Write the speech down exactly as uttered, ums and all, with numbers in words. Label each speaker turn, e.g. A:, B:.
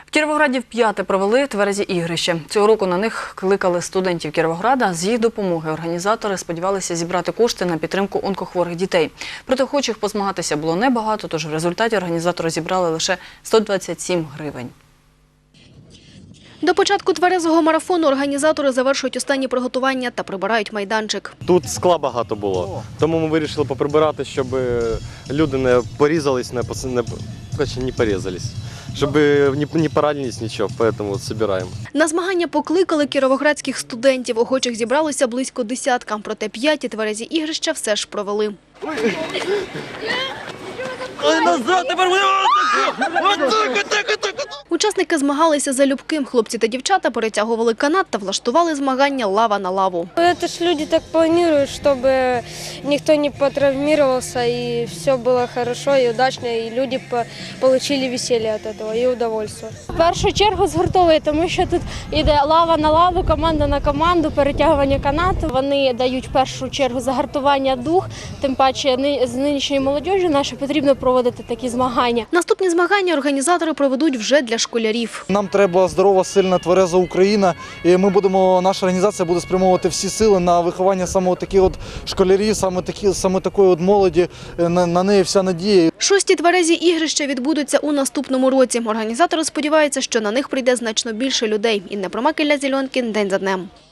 A: В Кіровограді вп'яте провели тверезі ігрища. Цього року на них кликали студентів Кіровограда. З їх допомоги організатори сподівалися зібрати кошти на підтримку онкохворих дітей. Проте охочих позмагатися було небагато, тож в результаті організатори зібрали лише сто двадцять сім гривень.
B: До початку тверезого марафону організатори завершують останні приготування та прибирають майданчик.
C: Тут скла багато було, тому ми вирішили поприбирати, щоб люди не порізались, не, не, не порізались, щоб не, не поранились нічого, тому от збираємо.
B: На змагання покликали кіровоградських студентів. Охочих зібралося близько десятка, проте п'яті тверезі ігрища все ж провели.
C: Ой, назад, тепер
B: Учасники змагалися залюбки. Хлопці та дівчата перетягували канат та влаштували змагання лава на лаву.
D: Это ж люди так планируют, чтобы никто не потравмировался, и все было хорошо и удачно, и люди получили веселье от этого и удовольствие. В першу чергу згуртовує, тому що тут йде лава на лаву, команда на команду, перетягування канату. Вони дають в першу чергу загартування дух, тим паче з нинішньою молодіжю наше потрібно проводити такі змагання.
B: Наступні змагання організатори проведуть вже для школярів.
E: Нам треба здорова, сильна, твереза Україна, і ми будемо, наша організація буде спрямовувати всі сили на виховання саме таких от школярів, саме такі, саме такої от молоді, на, на неї вся надія.
B: Шості тверезі ігрища відбудуться у наступному році. Організатори сподіваються, що на них прийде значно більше людей. Інна Промакілля, Зеленкін, день за днем.